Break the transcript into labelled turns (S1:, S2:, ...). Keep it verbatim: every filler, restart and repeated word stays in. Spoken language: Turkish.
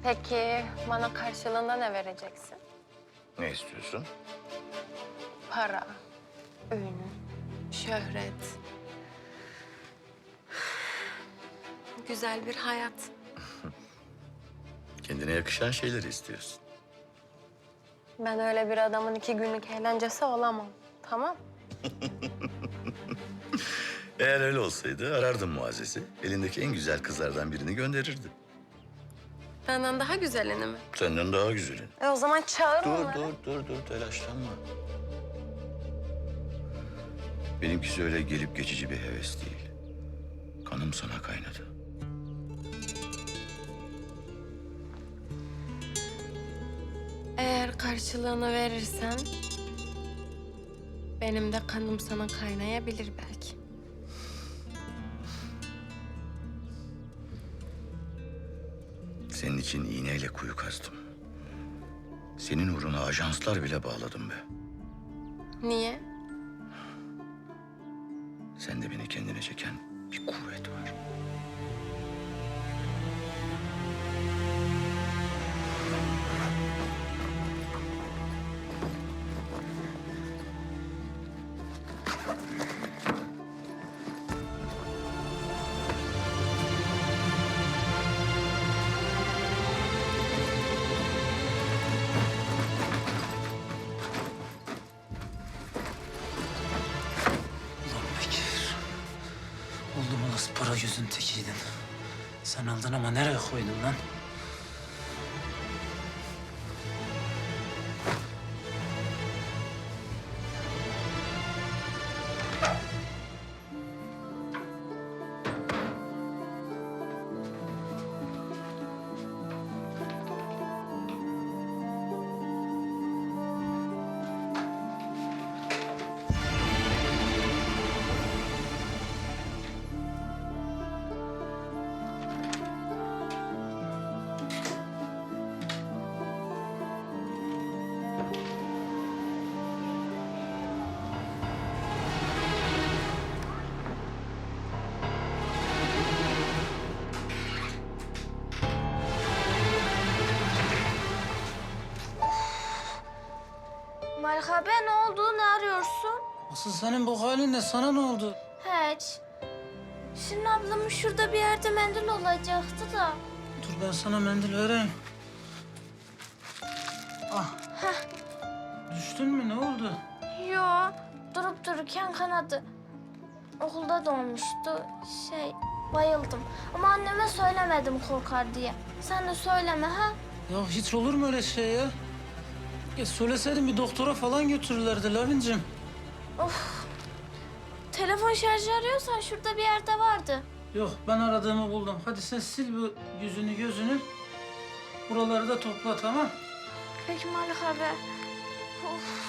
S1: Peki bana karşılığında ne vereceksin?
S2: Ne istiyorsun?
S1: Para, ün, şöhret. Güzel bir hayat.
S2: Kendine yakışan şeyleri istiyorsun.
S1: Ben öyle bir adamın iki günlük eğlencesi olamam. Tamam.
S2: Eğer öyle olsaydı arardım Muazzez'i. Elindeki en güzel kızlardan birini gönderirdi.
S1: Benden daha güzelini mi?
S2: Senden daha güzelin.
S1: E o zaman çağır
S2: Dur,
S1: onları.
S2: dur, dur, dur. Telaşlanma. Benimkisi öyle gelip geçici bir heves değil. Kanım sana kaynadı.
S1: Eğer karşılığını verirsen... benim de kanım sana kaynayabilir belki.
S2: Senin için iğneyle kuyu kazdım. Senin uğruna ajanslar bile bağladım be.
S1: Niye?
S2: Sende beni kendine çeken bir kuvvet var.
S3: Ulan Bekir. Oldum olası para gözün tekiydin. Sen aldın ama nereye koydun lan?
S4: Merhaba, ne oldu? Ne arıyorsun?
S3: Asıl senin bu halin ne? Sana ne oldu?
S4: Hiç. Şirin ablamın şurada bir yerde mendil olacaktı da.
S3: Dur ben sana mendil vereyim. Ah.
S4: Heh.
S3: Düştün mü? Ne oldu?
S4: Yo, durup dururken kanadı. Okulda doğmuştu. Şey, bayıldım. Ama anneme söylemedim korkar diye. Sen de söyleme ha.
S3: Ya hiç olur mu öyle şey ya? Ya söyleseydin bir doktora falan götürürlerdi Lavincim.
S4: Of. Telefon şarjı arıyorsan şurada bir yerde vardı.
S3: Yok ben aradığımı buldum. Hadi sen sil bu yüzünü gözünü. Buraları da topla tamam.
S4: Peki Malik abi. Of.